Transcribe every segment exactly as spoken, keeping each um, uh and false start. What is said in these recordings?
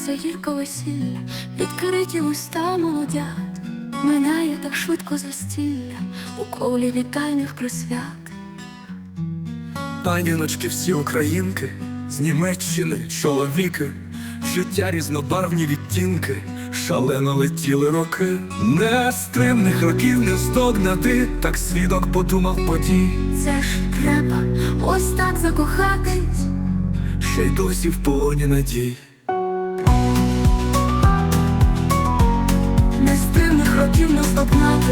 Починається гірко весілля, відкриті уста молодят. Минає так швидко застілля у колі вітальних присвят. Паніночки всі українки, з Німеччини чоловіки, життя різнобарвні відтінки, шалено летіли роки. Нестримних років не здогнати, так свідок подумав подій. Це ж треба ось так закохатись, ще й досі в полоні надій. нестримних років не здогнати,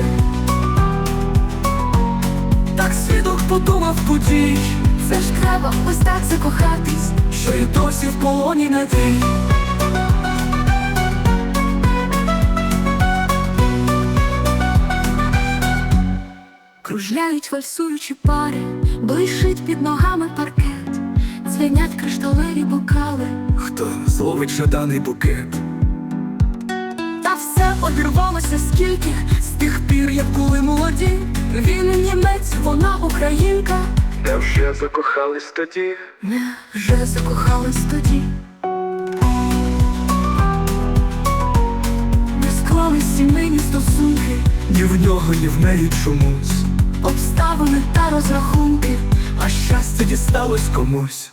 Так свідок подумав подій, це ж треба ось так закохатись, що й досі в полоні надій. кружляють вальсуючі пари, блищить під ногами паркет, дзвенять кришталеві бокали. Хто зловить жаданий букет? Та все обірвалося скільки з тих пір, як були молоді. Він німець, вона українка. Невже закохались тоді? Не вже закохались тоді. Не склались сімейні стосунки, Ні в нього, ні в неї чомусь, обставини та розрахунки, а щастя дісталось комусь.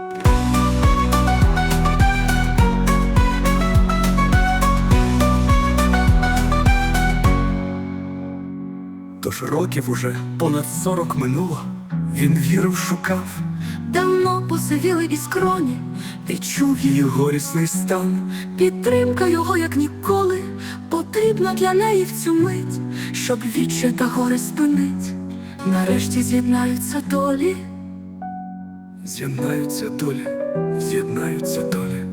Тож років уже понад сорок минуло, він вірив, шукав давно посивіли і скроні. Ти чув її горісний стан. підтримка його, як ніколи, потрібна для неї в цю мить, щоб відчай та горе спинить. Нарешті з'єднаються долі. З'єднаються долі, з'єднаються долі.